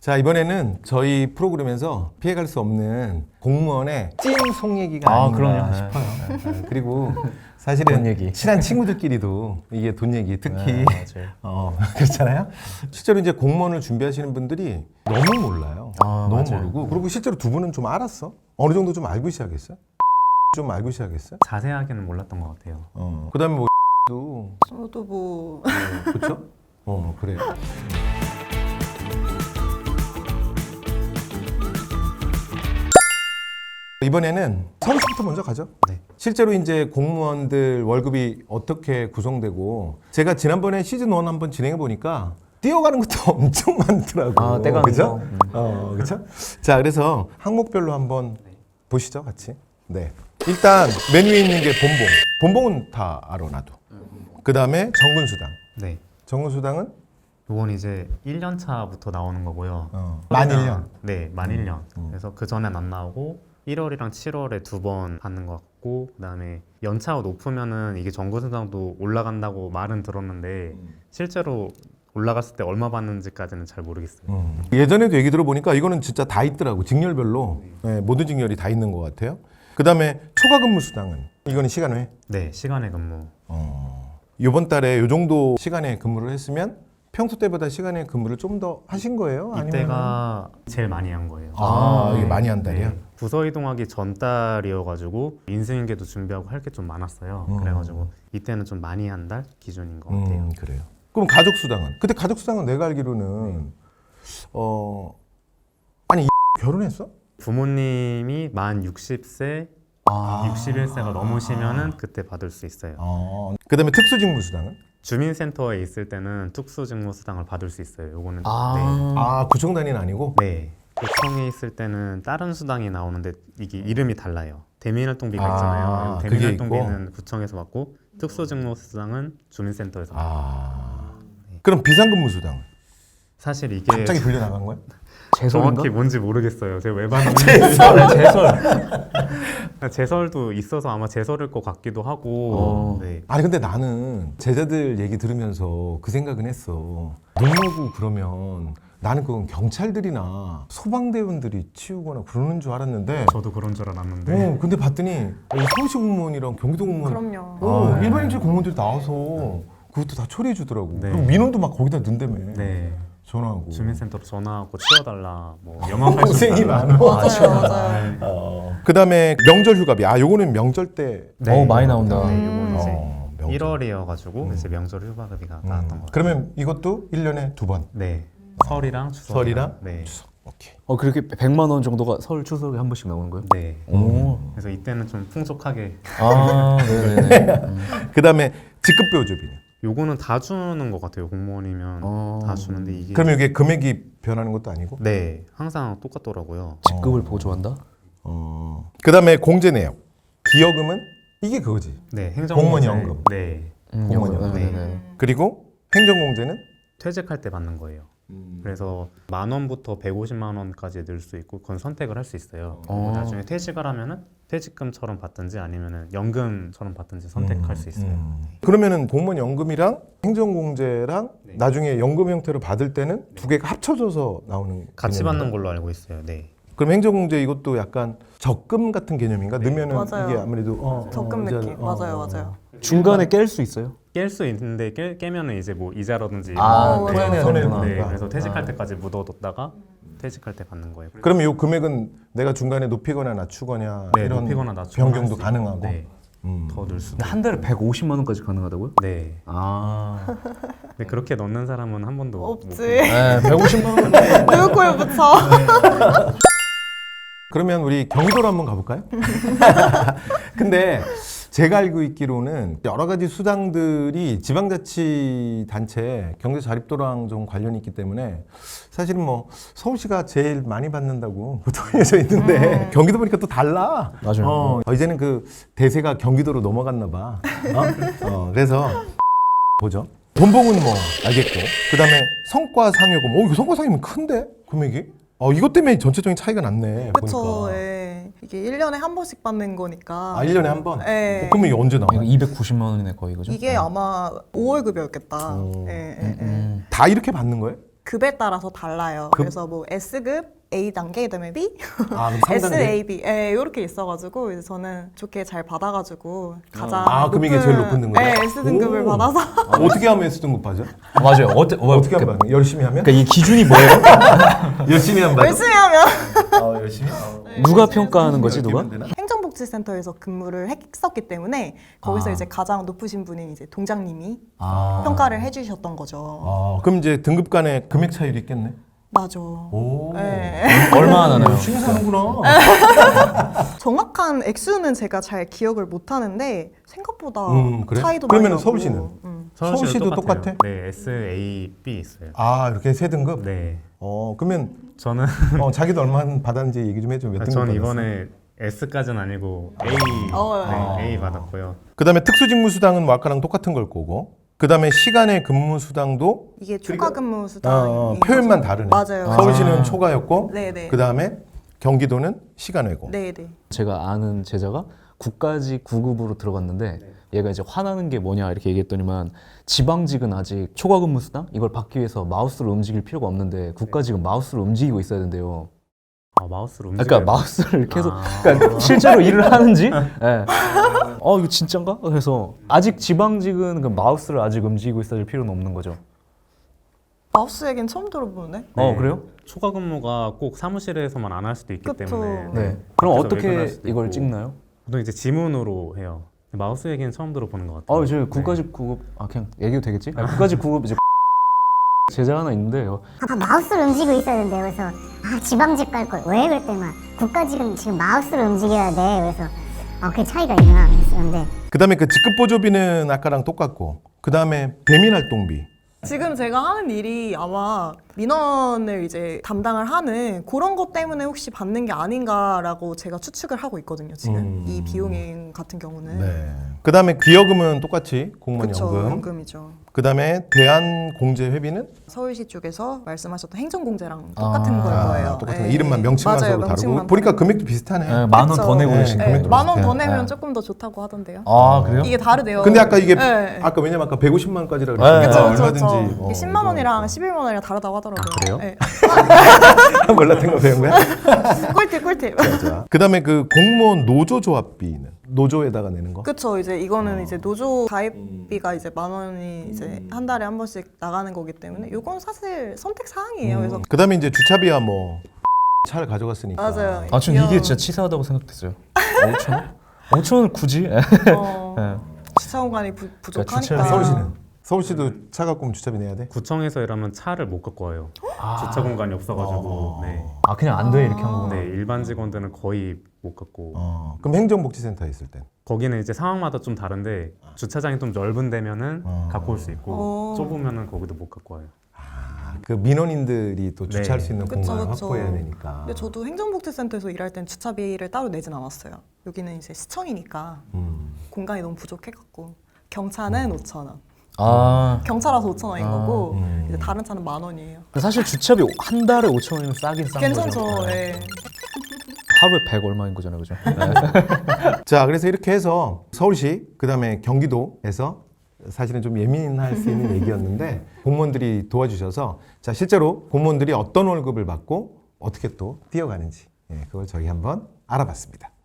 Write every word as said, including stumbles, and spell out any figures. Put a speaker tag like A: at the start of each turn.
A: 자, 이번에는 저희 프로그램에서 피해갈 수 없는 공무원의 찐 속 얘기가
B: 아,
A: 아닌가
B: 그럼요.
A: 싶어요. 네, 그리고
B: 돈
A: 사실은
B: 얘기.
A: 친한 친구들끼리도 이게 돈 얘기 특히
B: 네, 맞아요.
A: 어, 그렇잖아요. 실제로 이제 공무원을 준비하시는 분들이 너무 몰라요.
B: 아,
A: 너무
B: 맞아요.
A: 모르고 그리고 실제로 두 분은 좀 알았어? 어느 정도 좀 알고 시작했어요? 좀 알고 시작했어요?
C: 자세하게는 몰랐던 것 같아요.
A: 어. 그다음에 뭐 도
D: 저도 뭐
A: 그렇죠? 어, 그래요. 이번에는 서울시부터 먼저 가죠.
C: 네.
A: 실제로 이제 공무원들 월급이 어떻게 구성되고 제가 지난번에 시즌 일 한번 진행해 보니까 뛰어가는 것도 엄청 많더라고.
B: 아, 떼가는
A: 그죠?
B: 거. 음.
A: 어, 그렇죠? 자, 그래서 항목별로 한번 보시죠, 같이. 네. 일단 맨 위에 있는 게 본봉. 본봉은 다 알아 나도. 그 다음에 정근수당.
C: 네.
A: 정근수당은
C: 이건 이제 일 년 차부터 나오는 거고요.
A: 어, 만 일 년.
C: 네, 만 일 년.
A: 음.
C: 그래서 그 전엔 안 나오고 일월이랑 칠월에 두 번 받는 것 같고 그다음에 연차가 높으면은 이게 정근수당도 올라간다고 말은 들었는데 실제로 올라갔을 때 얼마 받는지까지는 잘 모르겠어요.
A: 음. 예전에도 얘기 들어보니까 이거는 진짜 다 있더라고. 직렬별로. 네, 모든 직렬이 다 있는 것 같아요. 그 다음에 초과근무 수당은 이거는 시간 외.
C: 네, 시간의 근무.
A: 어. 이번 달에 요 정도 시간에 근무를 했으면 평소 때보다 시간에 근무를 좀 더 하신 거예요? 아니면
C: 이때가 제일 많이 한 거예요.
A: 아, 이게
C: 네.
A: 많이 한 달이야?
C: 네. 부서 이동하기 전 달이어가지고 인수인계도 준비하고 할 게 좀 많았어요.
A: 음.
C: 그래가지고 이때는 좀 많이 한 달 기준인 것 같아요.
A: 음, 그래요. 그럼 가족 수당은? 근데 가족 수당은 내가 알기로는 어 아니 결혼했어?
C: 부모님이 만 육십 세,
B: 아,
C: 육십일 세가 넘으시면은 그때 받을 수 있어요.
A: 어. 그다음에 특수직무 수당은?
C: 주민센터에 있을 때는 특수직무수당을 받을 수 있어요. 요거는
B: 아,
A: 아, 구청 단위는 아니고?
C: 네. 네. 구청에 있을 때는 다른 수당이 나오는데 이게 이름이 달라요. 대민활동비가
A: 아,
C: 있잖아요.
A: 그게
C: 대민활동비는 구청에서 받고 특수직무수당은 주민센터에서 받고.
A: 아. 그럼 비상근무 수당은?
C: 사실 이게
A: 갑자기 불려 나간 거야?
B: 제설인가?
C: 정확히 뭔지 모르겠어요. 제가 왜 받는지.
B: 제설, 제설.
C: 제설도 있어서 아마 제설일 것 같기도 하고.
B: 어.
C: 네.
A: 아니 근데 나는 제자들 얘기 들으면서 그 생각은 했어. 농무부 그러면 나는 그건 경찰들이나 소방대원들이 치우거나 그러는 줄 알았는데
C: 저도 그런 줄 알았는데.
A: 어, 근데 봤더니 어, 서울시 공무원이랑 경기도 공무원
D: 그럼요.
A: 어,
C: 아, 네.
A: 일반인들 공무원들이 나와서 그것도 다 처리해 주더라고.
C: 네.
A: 그리고 민원도 막 거기다 넣는다며.
C: 네.
A: 전화하고.
C: 주민센터로 전화하고 치워달라. 뭐 영업할 수
A: 고생이
C: 있다.
A: 많아.
D: 맞아요, 맞아요.
A: 어. 그다음에 명절 휴가비. 아, 요거는 명절 때
B: 어우, 많이 나온다.
C: 네,
D: 음.
C: 요거 이제
A: 어, 명절.
C: 일월이어가지고
A: 음.
C: 이제 명절 휴가비가
A: 음.
C: 나왔던 것 같아요.
A: 그러면 이것도 일 년에 두 번.
C: 네, 설이랑 추석.
A: 설이랑
C: 네,
A: 오케이.
B: 어, 그렇게 백만 원 정도가 설 추석에 한 번씩 나오는 거예요?
C: 네.
B: 오.
C: 그래서 이때는 좀 풍족하게.
B: 아, 네네네. 음.
A: 그다음에 직급배우조비는.
C: 요거는 다 주는 것 같아요. 공무원이면
B: 어.
C: 다 주는데 이게.
A: 그러면 이게 금액이 변하는 것도 아니고?
C: 네, 항상 똑같더라고요.
B: 직급을
A: 어.
B: 보조한다?
A: 어. 그다음에 공제 내역. 기여금은 이게 그거지.
C: 네, 행정
A: 공무원
C: 공제.
A: 연금.
C: 네,
B: 음,
A: 공무원
B: 연금.
A: 연금.
B: 네네네.
A: 그리고 행정공제는
C: 퇴직할 때 받는 거예요. 그래서 만 원부터 백오십만 원까지 늘 수 있고 그건 선택을 할 수 있어요. 그리고
B: 어.
C: 나중에 퇴직을 하면은 퇴직금처럼 받든지 아니면은 연금처럼 받든지 선택할 수 있어요.
A: 음. 그러면은 공무원 연금이랑 행정공제랑
C: 네.
A: 나중에 연금 형태로 받을 때는 두 개가 합쳐져서 나오는
C: 같이
A: 개념인가?
C: 받는 걸로 알고 있어요. 네.
A: 그럼 행정공제 이것도 약간 적금 같은 개념인가?
C: 네.
A: 넣으면은
D: 맞아요.
A: 이게 아무래도 어,
D: 적금
A: 어, 이제,
D: 느낌.
A: 어,
D: 맞아요,
A: 어,
D: 맞아요.
B: 중간에 깰 수 있어요?
C: 깰 수 있는데 깨, 깨면은 이제 뭐 이자라든지
B: 아,
D: 어,
C: 이런
D: 토해내야
C: 거.
A: 되는구나.
C: 네, 그래서
A: 아.
C: 퇴직할 때까지 묻어뒀다가 퇴직할 때 받는 거예요.
A: 그러면 이 금액은 내가 중간에 높이거나 낮추거나
C: 네,
A: 이런
C: 높이거나 낮추거나
A: 변경도
C: 할수 있고,
A: 가능하고.
C: 네,
A: 음.
C: 더 넣을 수도.
B: 근데 한 달에 백오십만 원까지 가능하다고요?
C: 네.
B: 아.
C: 근데 그렇게 넣는 사람은 한 번도 못
D: 없지.
C: 봤어요.
B: 네, 백오십만 원.
D: 누구 코에 붙여?
A: 그러면 우리 경기도로 한번 가볼까요? 근데 제가 알고 있기로는 여러 가지 수당들이 지방자치단체 경제자립도랑 좀 관련이 있기 때문에 사실은 뭐 서울시가 제일 많이 받는다고 보통 알려져 있는데
D: 음.
A: 경기도 보니까 또 달라.
B: 맞아요.
A: 어, 어, 이제는 그 대세가 경기도로 넘어갔나 봐. 어? 어, 그래서 보죠. 돈봉은 뭐 알겠고 그다음에 성과상여금. 어, 이거 성과상여금 큰데 금액이? 어, 이것 때문에 전체적인 차이가 났네.
D: 그쵸.
A: 보니까.
D: 예. 이게 일 년에 한 번씩 받는 거니까.
A: 아, 일 년에 한 번?
D: 네.
A: 어, 그러면 이게 언제 나와?
B: 이거 이백구십만 원이네 거의 그죠?
D: 이게 아마 오월 급여였겠다.
A: 오.
D: 예, 예,
B: 음,
D: 예.
B: 음.
A: 다 이렇게 받는 거예요?
D: 급에 따라서 달라요.
A: 급?
D: 그래서 뭐 S급, A 단계, 그다음에 B,
A: 아, 그럼
D: S,
A: 삼 단계?
D: A, B, 예, 이렇게 있어가지고 이제 저는 좋게 잘 받아가지고 가장
A: 아, 그럼 이게 제일 높은 등급이야?
D: 네, S 등급을
A: 오.
D: 받아서
A: 어떻게 하면 S 등급 받죠?
B: 아, 맞아요. 어때, 어,
A: 어떻게 하면 받는 거야? 열심히 하면?
B: 그러니까 이 기준이 뭐예요?
A: 열심히 하면 받아?
D: 열심히 하면
A: 어, 열심히? 어.
B: 누가 평가하는 거지, 누가?
A: 되나?
D: 행정복지센터에서 근무를 했었기 때문에 거기서
B: 아.
D: 이제 가장 높으신 분인 이제 동장님이
B: 아.
D: 평가를 해주셨던 거죠.
A: 아, 그럼 이제 등급 간에 금액 차이도 있겠네?
D: 맞아.
A: 오.
D: 네.
B: 얼마나 나나요?
A: 열심히 사는구나.
D: 정확한 액수는 제가 잘 기억을 못 하는데 생각보다
A: 음, 그래?
D: 차이도
A: 그러면은
D: 많이 나고.
A: 서울시는?
D: 음.
A: 서울시도
C: 똑같아요.
A: 똑같아?
C: 네, S, A, B 있어요.
A: 아, 이렇게 세 등급?
C: 네,
A: 어, 그러면
C: 저는
A: 어, 자기도 얼마 받았는지 얘기 좀 해줘. 몇 등급
C: 저는
A: 받았어?
C: 이번에 S까지는 아니고 A,
D: 어,
C: 네,
A: 아.
C: A 받았고요.
A: 그다음에 특수직무수당은 뭐 아까랑 똑같은 걸 거고, 그다음에 시간의 근무수당도
D: 이게 초과 근무
A: 어,
D: 수당인
A: 어,
D: 거죠.
A: 표현만 다르네.
D: 맞아요.
A: 서울시는
B: 아.
A: 초과였고,
D: 네네.
A: 그다음에 경기도는 시간외고.
D: 네네.
B: 제가 아는 제자가 국가직 구 급으로 들어갔는데 얘가 이제 화나는 게 뭐냐 이렇게 얘기했더니만 지방직은 아직 초과 근무 수당 이걸 받기 위해서 마우스를 움직일 필요가 없는데 국가직은 마우스를 움직이고 있어야 된대요.
C: 아, 마우스로
B: 그러니까
C: 움직여요.
B: 마우스를 계속
C: 아.
B: 그러니까 실제로 일을 하는지 예. 어 이거 진짠가? 그래서 아직 지방직은 그 마우스를 아직 움직이고 있어야 될 필요는 없는 거죠.
D: 마우스 얘기는 처음 들어보는데.
B: 어 그래요?
C: 초과 근무가 꼭 사무실에서만 안 할 수도 있기
D: 그쵸.
C: 때문에
B: 네. 그럼
C: 밖에서
B: 어떻게
C: 외근할 수도
B: 이걸
C: 있고.
B: 찍나요?
C: 보통 이제 지문으로 해요. 마우스 얘기는 처음 들어보는 것 같아요.
B: 어, 저 국가직 구 급 아 그냥 얘기해도 되겠지? 아니, 국가직 구 급 이제 제자 하나 있는데요.
E: 아, 마우스를 움직이고 있어야 된대요. 그래서 아 지방직 갈 걸. 왜 그랬더니만 국가직은 지금 마우스를 움직여야 돼. 그래서 아 그게 차이가 있나 했었는데
A: 그다음에 그 직급 보조비는 아까랑 똑같고, 그다음에 대민 활동비.
D: 지금 제가 하는 일이 아마 민원을 이제 담당을 하는 그런 것 때문에 혹시 받는 게 아닌가라고 제가 추측을 하고 있거든요. 지금
A: 음.
D: 이 비용인 같은 경우는.
A: 네. 그다음에 기여금은 똑같이 공무원
D: 그쵸,
A: 연금.
D: 연금이죠.
A: 그다음에 대한공제회비는
D: 서울시 쪽에서 말씀하셨던 행정공제랑 똑같은
B: 아,
D: 걸 거예요.
A: 아, 똑같은 거.
D: 네.
A: 이름만 명칭만
D: 맞아요,
A: 서로 다르고
D: 명칭만
A: 보니까
D: 다르고.
A: 금액도 비슷하네.
B: 네, 만 원 더
D: 그쵸.
B: 내고
A: 네,
B: 계시네.
A: 금액도
D: 만 원 더
A: 비슷해.
D: 내면
B: 네.
D: 조금 더 좋다고 하던데요.
B: 아 그래요?
D: 이게 다르대요.
A: 근데 아까 이게
D: 네.
A: 아까 왜냐면 아까 백오십만 원까지라
B: 네.
A: 그랬으니까
D: 그쵸, 그쵸,
A: 얼마든지
D: 그쵸.
A: 어,
D: 이게 십만 원이랑
A: 이거
D: 십일만 원이랑 다르다고 하더라고요.
B: 아, 그래요?
D: 네.
A: 몰랐던 거 배운 거야?
D: 꿀팁, 꿀팁.
A: 자, 그다음에 그 공무원 노조 조합비는 노조에다가 내는 거.
D: 그쵸. 이제 이거는 이제 노조
A: 음.
D: 가입비가 이제 만 원이 이제 한 달에 한 번씩 나가는 거기 때문에 이건 사실 선택 사항이에요. 그래서
A: 그다음에 이제 주차비야 뭐 차를 가져갔으니까.
D: 맞아요.
B: 아, 전
D: 귀여워.
B: 이게 진짜 치사하다고 생각했어요. 오천 원? 오천 원을 굳이?
D: 어,
B: 네.
D: 주차 공간이 부, 부족하니까.
B: 그러니까 주차비
A: 서울시는 서울시도 차 갖고 오면 주차비 내야 돼?
C: 구청에서 일하면 차를 못 갖고 와요. 주차 공간이 없어가지고. 네.
B: 아 그냥 안 돼 이렇게 한 거구나.
C: 네, 일반 직원들은 거의 못 갖고.
A: 어. 그럼 행정복지센터에 있을 땐?
C: 거기는 이제 상황마다 좀 다른데 주차장이 좀 넓은 데면은
A: 어.
C: 갖고 올 수 있고
D: 어.
C: 좁으면은 거기도 못 갖고 와요.
A: 그 민원인들이 또 주차할
C: 네.
A: 수 있는
D: 그쵸,
A: 공간을
D: 그쵸.
A: 확보해야 되니까.
D: 근데 저도 행정복지센터에서 일할 땐 주차비를 따로 내진 않았어요. 여기는 이제 시청이니까
A: 음.
D: 공간이 너무 부족해갖고 경차는 오천 원.
B: 아
D: 경차라서 오천 원인 거고
A: 음.
D: 이제 다른 차는 만 원이에요.
B: 근데 사실 주차비 한 달에 오천 원이면 싸긴 싼
D: 괜찮죠.
B: 거죠. 네.
D: 예.
B: 하루에 백 얼마인 거잖아요, 그죠? 네.
A: 자, 그래서 이렇게 해서 서울시 그다음에 경기도에서 사실은 좀 예민할 수 있는 얘기였는데 공무원들이 도와주셔서 자 실제로 공무원들이 어떤 월급을 받고 어떻게 또 뛰어가는지 예, 그걸 저희 한번 알아봤습니다.